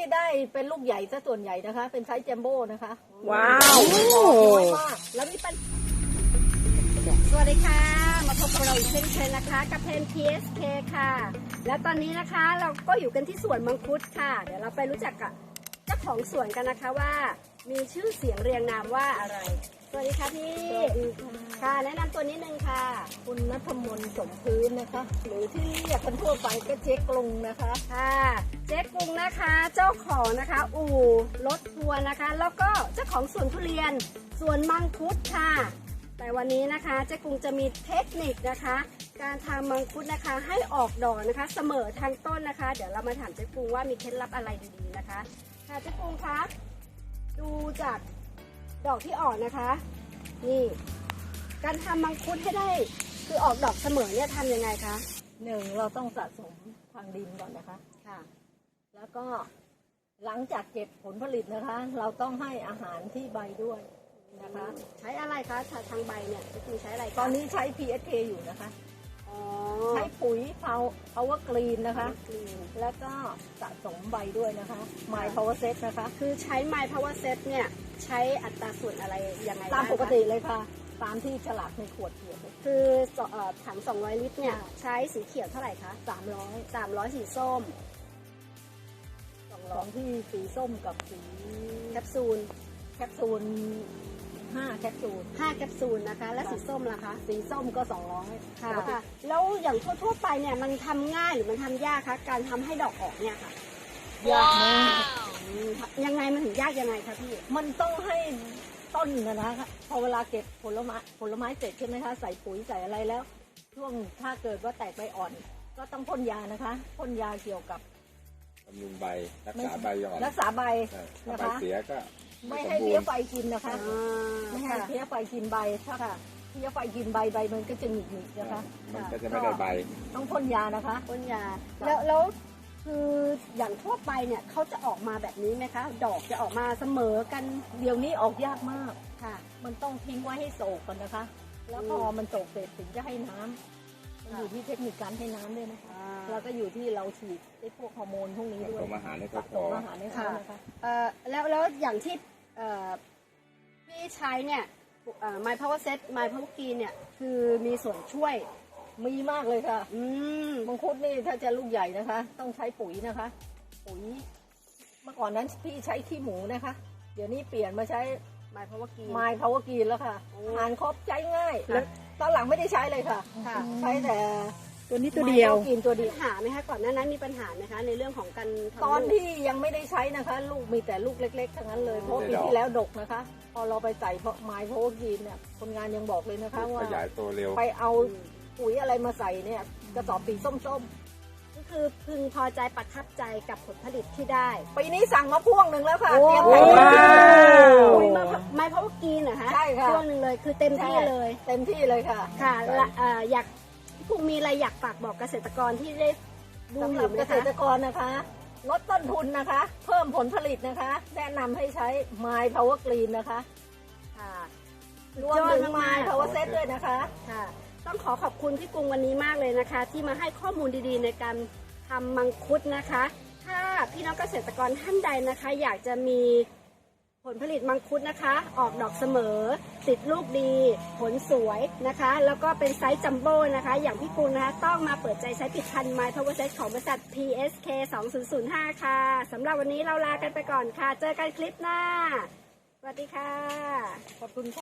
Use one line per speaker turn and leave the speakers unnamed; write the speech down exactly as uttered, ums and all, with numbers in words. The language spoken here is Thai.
ได้เป็นลูกใหญ่ซะส่วนใหญ่นะคะเป็นไซส์แจมโบ้นะคะ
ว้าว
น้อยมากแล้วมีปัน
สวัสดีค่ะมาพบกับเราอีกเช่นเคยนะคะกับเพน พี เอส เค ค่ะและตอนนี้นะคะเราก็อยู่กันที่สวนมังคุดค่ะเดี๋ยวเราไปรู้จักกับเจ้าของสวนกันนะคะว่ามีชื่อเสียงเรียงนามว่าอะไรสวัสดีค่ะพี่ค่ะแนะนำตัวนิดนึงค่ะ
คุณณัฐมนต์สมพื้นนะคะหรือที่เรียกกันทั่วไปก็เจ๊กรุงนะคะ
ค่ะเจ๊กรุงนะคะเจ้าของนะคะอู่รถทัวร์นะคะแล้วก็เจ้าของสวนทุเรียนสวนมังคุดค่ะแต่วันนี้นะคะเจ๊กรุงจะมีเทคนิคนะคะการทำมังคุดนะคะให้ออกดอกนะคะเสมอทางต้นนะคะเดี๋ยวเรามาถามเจ๊กรุงว่ามีเคล็ดลับอะไรดีๆนะคะค่ะเจ๊กรุงคะดูจากดอกที่ออกนะคะนี่การทำมังคุดให้ได้คือออกดอกเสมอเนี่ยทำยังไงคะ
หนึ่งเราต้องสะสมทางดินก่อนนะคะ
ค่ะ
แล้วก็หลังจากเก็บผลผลิตนะคะเราต้องให้อาหารที่ใบด้วยนะคะ
ใช้อะไรคะทางใบเนี่ยคือใช้อะไร
ตอนนี้ใช้ พี เอส เค อยู่นะคะใช้ปุ๋ย Power Green นะคะแล้วก็สะสมใบด้วยนะคะ My Power Set นะคะ
คือใช้ My Power Set เนี่ยใช้อัตราส่วนอะไรยังไง
ตามปกติเลยค่ะตามที่ฉลากในขวดเขียน
คือถังสองร้อยลิตรเนี่ยใช้สีเขียวเท่าไหร่คะ
สามร้อย
สามร้อยสีส้ม
สองร้อยที่สีส้มกับสี
แคปซูล
แคปซูลห้าแคปซูล
ห้าแคปซูลนะคะและสีส้มล่ะคะ
สีส้มก็สองร้อย
ค่ะแล้วอย่างทั่วๆไปเนี่ยมันทำง่ายหรือมันทำยากคะการทำให้ดอกออกเนี่ยค่ะ
ยากมาก
ยังไงมันถึงยากยังไงคะพี่
มันต้องให้ต้นนะนะคะพอเวลาเก็บผลไม้ผลไม้เสร็จใช่ไหมคะใส่ปุ๋ยใส่อะไรแล้วช่วงถ้าเกิดว่าแตกใบอ่อนก็ต้องพ่นยานะคะพ่นยาเกี่ยวกับบ
ำรุงใบรักษาใบอ่อน
รักษาใบ
นะคะเสียก็
ไม่ให้เพี้ยไฟกินนะคะไม่ให้เพี้ยไฟกินใบถ้าเพี้ยไฟกินใบใบมันก็จะหงิกหงิกนะคะ
มันก็จะไม่ได้ใบ
ต้องพ่นยานะคะ
พ่นยาแล้วแล้วคืออย่างทั่วไปเนี่ยเขาจะออกมาแบบนี้ไหมคะดอกจะออกมาเสมอกัน
เดี๋ยวนี้ออกยากมาก
ค่ะ
มันต้องทิ้งไว้ให้โศกก่อนนะคะแล้วพอมันโศกเสร็จถึงจะให้น้ำมันอยู่ที่เทคนิคการให้น้ำด้วยนะคะแล้วก็อยู่ที่เราฉีดไอ้พวกฮอร์โมนพวกนี้ด้วย
อาหารให้เขาพอ
อาหารให้เขานะคะ
แล้วแล้วอย่างที่พี่ใช้เนี่ย My Power Set My Power Green เนี่ยคือมีส่วนช่วย
มีมากเลยค่ะ
อืม
มังคุดนี่ถ้าจะลูกใหญ่นะคะต้องใช้ปุ๋ยนะคะปุ๋ยเมื่อก่อนนั้นพี่ใช้ขี้หมูนะคะเดี๋ยวนี้เปลี่ยนมาใช้
My Power Green
My Power Green แล้วค่ะทานครบใช้ง่ายแล้วตอนหลังไม่ได้ใช้เลยค่ะใช้แต่
ตัวนี้ตัวเดียว
กินตัวเดียว
หาไหมคะก่อนหน้านั้นมีปัญหาไหมคะในเรื่องของการ
ตอนที่ยังไม่ได้ใช้นะคะลูกมีแต่ลูกเล็กๆทั้งนั้นเลยเพราะปีที่แล้วดกนะคะพอเราไปใส่เพราะไม้โพกีนเนี่ยคนงานยังบอกเลยนะคะว่า
ขยายตัวเร็ว
ไปเอาปุ๋ยอะไรมาใส่เนี่ยกระสอบสีส้ม
ๆก็คือพึงพอใจประทับใจกับผลผลิตที่ได้
ปีนี้สั่งมาพ่วงหนึ่งแล้วค่ะเตรียม
ไป
ปุ๋ย
มาไม้เพาะกีนเหรอคะ
ใช่ค่ะ
พ่วงหนึ่งเลยคือเต็มที่เลย
เต็มที่เลยค่ะ
ค่ะอยากพวกมีอะไรอยากฝากบอกเกษตรกรที่ได้ดูอยู่
เกษตรกรนะคะลดต้นทุนนะคะเพิ่มผลผลิตนะคะแนะนำให้ใช้ My Power Green นะคะ
ค่ะ
รวมถึง My Power Set ด้วยนะคะ
ค่ะต้องขอขอบคุณพี่กรุงวันนี้มากเลยนะคะที่มาให้ข้อมูลดีๆในการทำมังคุดนะคะถ้าพี่น้องเกษตรกรท่านใดนะคะอยากจะมีผลผลิตมังคุดนะคะออกดอกเสมอติดลูกดีผลสวยนะคะแล้วก็เป็นไซส์จัมโบ้นะคะอย่างพี่กรุงนะคะต้องมาเปิดใจใช้ผลิตภัณฑ์ My Power Set ของบริษัท พี เอส เค สองพันห้าค่ะสำหรับวันนี้เราลากันไปก่อนค่ะเจอกันคลิปหน้าสวัสดีค่ะ
ขอบคุณ